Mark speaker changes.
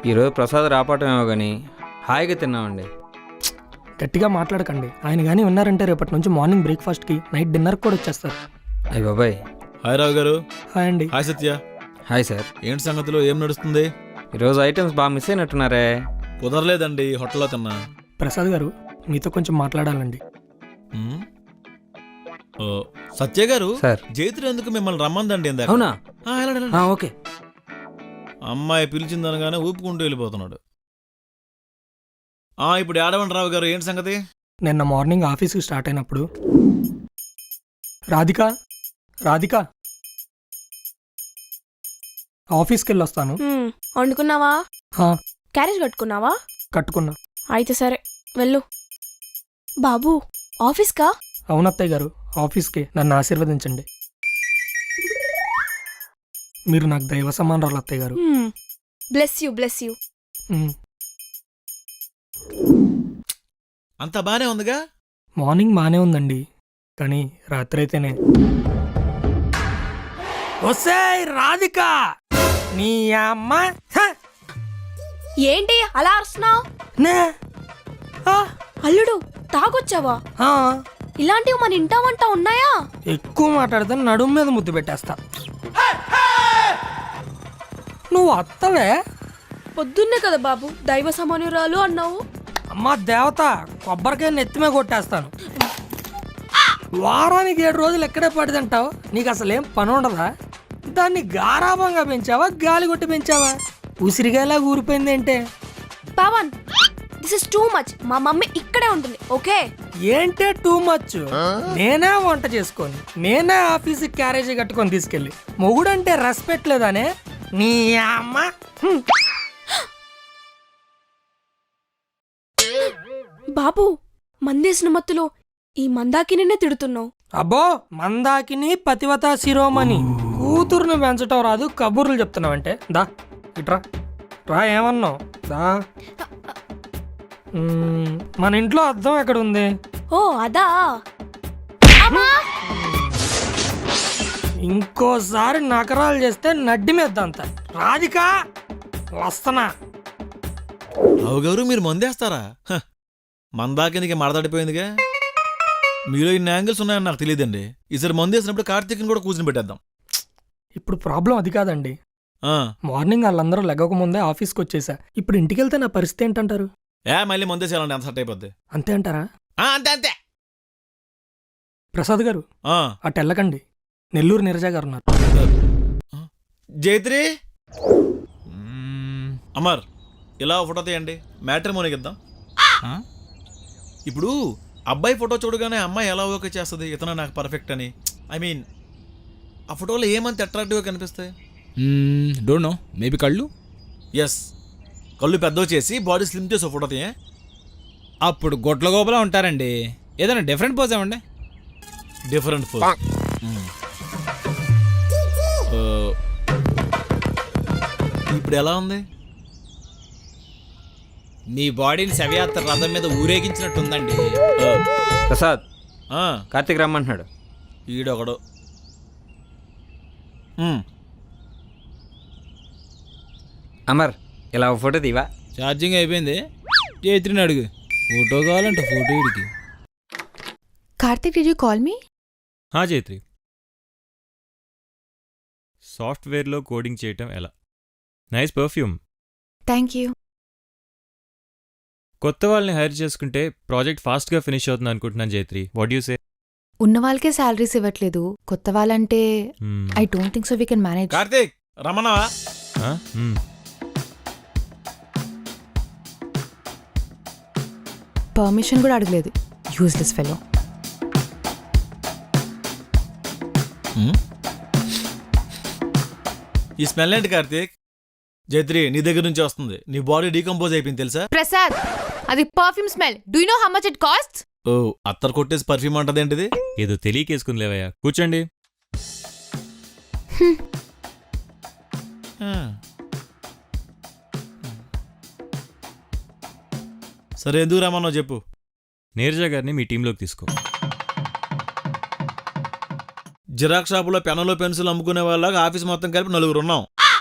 Speaker 1: ఈరోజు ప్రసాద్ రాపటమేమో కానీ హాయిగా తిన్నామండి.
Speaker 2: గట్టిగా మాట్లాడకండి. ఆయన కానీ ఉన్నారంటే రేపటి నుంచి మార్నింగ్ బ్రేక్ఫాస్ట్కి నైట్ డిన్నర్కి కూడా వచ్చేస్తారు.
Speaker 1: అయ్య బాబాయ్.
Speaker 3: హాయ్ రావు గారు.
Speaker 2: హాయ్ అండి.
Speaker 3: హాయ్ సత్య.
Speaker 1: Hi sir.
Speaker 3: ఏంటి సంగతులు, ఏం నడుస్తుంది?
Speaker 1: ఈరోజు ఐటమ్స్ బాగా మిస్ అయినట్టున్నారే.
Speaker 3: కుదరలేదండి, హోటల్లో తిన్నా.
Speaker 2: ప్రసాద్ గారు మీతో కొంచెం మాట్లాడాలండి.
Speaker 3: ఉమ్. ఓ, సత్య గారు
Speaker 1: సార్.
Speaker 3: జైత్రి ఎందుకు మిమ్మల్ని రమ్మందండి ఇందాక?
Speaker 1: అవునా?
Speaker 3: వెళ్ళండి, వెళ్ళండి.
Speaker 1: ఓకే.
Speaker 3: అమ్మాయి పిలిచిందనగానే ఊపుకుంటూ వెళ్ళిపోతున్నాడు. ఇప్పుడు ఏడవండి రావు గారు, ఏంటి సంగతి?
Speaker 2: నిన్న మార్నింగ్ ఆఫీస్కి స్టార్ట్ అయినప్పుడు రాధిక రాధిక ఆఫీస్కి వెళ్ళొస్తాను.
Speaker 4: వండుకున్నావా?
Speaker 2: హా,
Speaker 4: క్యారేజ్ కట్టుకున్నావా?
Speaker 2: కట్టుకున్నా.
Speaker 4: అయితే సరే వెళ్ళు. బాబు ఆఫీస్కా?
Speaker 2: అవునత్తయ్య గారు, ఆఫీస్కి. నన్ను ఆశీర్వదించండి. మీరు నాకు దైవ సమానరాలు అత్తయ్య గారు.
Speaker 4: Bless you, bless you.
Speaker 2: ఉమ్.
Speaker 3: అంతా బానే ఉందిగా?
Speaker 2: మార్నింగ్ బానే ఉందండి, కానీ రాత్రి అయితేనే. ఒసేయ్ రాధిక, నీ అమ్మ. హ!
Speaker 4: ఏంటి అలా అరుస్తున్నావు?
Speaker 2: నే. ఆ,
Speaker 4: అల్లుడు తాగొచ్చావా?
Speaker 2: ఆ,
Speaker 4: ఇలాంటివి మన ఇంటా వంట ఉన్నాయా?
Speaker 2: ఎక్కువ మాట్లాడితే నడుము మీద ముద్దు పెట్టేస్తా. నువ్వు అత్తవే?
Speaker 4: పొద్దున్నే కదా బాబు దైవ సమానురాలు అన్నావు.
Speaker 2: అమ్మా దేవత, కొబ్బరికాయ నెత్తిమే కొట్టేస్తాను. వారానికి 7 రోజులు ఎక్కడే పడిదంటావు? నీకు అసలేం పని ఉండదా? దాన్ని గారాభంగా పెంచావా, గాలి కొట్టి పెంచావా? ఉసిరిగాయలా ఊరిపోయింది ఏంటే?
Speaker 4: Pawan, this is too much. మా మమ్మీ ఇక్కడే ఉంటుంది, ఓకే?
Speaker 2: ఏంటే టూ మచ్? నేనే వంట చేసుకొని, నేనే ఆఫీస్కి క్యారేజీ కట్టుకొని తీసుకెళ్ళి, మొగుడంటే రెస్పెక్ట్ లేదానే? నీ అమ్మ.
Speaker 4: బాబు మందేసిన మత్తులో ఈ మందాకినే తిడుతున్నావు.
Speaker 2: అబ్బో, మందాకిని పతివత శిరోమణి కూతురుని పెంచటం రాదు, కబుర్లు చెప్తున్నావంటే? దా ఇట్రా రా. ఏమన్నావు? దా. మన ఇంట్లో అద్దం ఎక్కడ ఉంది?
Speaker 4: ఓ అదా.
Speaker 2: ఇంకోసారి నకరాలు చేస్తే నడ్డి మీద అంత. రాధిక వస్తనా?
Speaker 3: రావు గారు మీరు మందేస్తారా? మందాకినికి మడతడిపోయిందిగా. మీలో ఇన్ని యాంగిల్స్ ఉన్నాయని నాకు తెలియదండి. ఈసారి మందేసినప్పుడు కార్తీక్ని కూడా కూర్చుని పెట్టేద్దాం.
Speaker 2: ఇప్పుడు ప్రాబ్లం అది కాదండి. మార్నింగ్ వాళ్ళందరూ లెగక ముందే ఆఫీస్కి వచ్చేసా. ఇప్పుడు ఇంటికి వెళ్తే నా పరిస్థితి ఏంటంటారు?
Speaker 3: మళ్ళీ మందేసేయాలండి, అంత సెట్ అయిపోద్ది.
Speaker 2: అంతే అంటారా?
Speaker 3: అంతే అంతే.
Speaker 2: ప్రసాద్ గారు అటు వెళ్ళకండి, నెల్లూరు నీరజ గారు ఉన్నారు.
Speaker 3: జైత్రి, అమర్ ఇలా ఫోటో తీయండి, మ్యాట్రిమోనీకి ఇద్దాం. ఇప్పుడు అబ్బాయి ఫోటో చూడగానే అమ్మాయి ఎలా ఓకే చేస్తుంది ఇతను నాకు పర్ఫెక్ట్ అని? ఐ మీన్ ఆ ఫోటోలో ఏమంత అట్రాక్టివ్గా కనిపిస్తాయి?
Speaker 5: డోంట్ నో, మేబీ కళ్ళు.
Speaker 3: ఎస్, కళ్ళు పెద్దవి చేసి బాడీ స్లిమ్ చేసి ఫోటో తీయ.
Speaker 5: అప్పుడు గొడ్ల గోపలా ఉంటారండి. ఏదైనా డిఫరెంట్ పోజ్ ఏమండి?
Speaker 3: Different photo. ఇప్పుడు ఎలా ఉంది?
Speaker 5: మీ బాడీని శవయాత్ర రథం మీద ఊరేగించినట్టుందండి.
Speaker 1: ప్రసాద్, కార్తీక్ రమ్మంటున్నాడు.
Speaker 3: ఈడొకడు.
Speaker 1: అమర్, ఇలా ఒక ఫోటో తీవా?
Speaker 5: ఛార్జింగ్ అయిపోయింది. జైత్రిని అడుగు, ఫోటో కావాలంట. ఫోటో ఇడికి.
Speaker 6: Karthik, did you call me?
Speaker 7: జైత్రి, సాఫ్ట్వేర్లో కోడింగ్ చేయటం ఎలా? Nice perfume.
Speaker 6: Thank you.
Speaker 7: కొత్త వాళ్ళని హైర్ చేసుకుంటే ప్రాజెక్ట్ ఫాస్ట్గా ఫినిష్ అవుతుంది అనుకుంటున్నాను జైత్రి. What you say?
Speaker 6: ఉన్న వాళ్ళకే శాలరీస్ ఇవ్వట్లేదు, కొత్త వాళ్ళంటే I don't think so we can manage.
Speaker 3: Karthik రమణవా?
Speaker 6: పర్మిషన్ కూడా అడగలేదు, యూజ్లెస్ ఫెలో.
Speaker 3: ఈ స్మెల్ ఏంటి కార్తీక్? జైత్రి, నీ దగ్గర నుంచి వస్తుంది. నీ బాడీ డీకంపోజ్ అయిపోయింది తెలుసా?
Speaker 6: ప్రసాద్, అది perfume smell. Do you know how much it cost?
Speaker 3: Oh, అత్తర్ కొట్టేసి పర్ఫ్యూమ్ అంటదేంటిది?
Speaker 7: ఏదో తెలియకేసుకుందిలేవయ్యా, కూర్చోండి.
Speaker 3: సరే, ఎందుకు రమ్మన్నావు చెప్పు.
Speaker 7: నీరజ గారిని మీ టీంలోకి తీసుకో.
Speaker 3: జిరాక్స్ షాపులో పెన్నులు పెన్సిల్ అమ్ముకునే వాళ్ళగా ఆఫీస్ మొత్తం కలిపి 4 ఉన్నాం.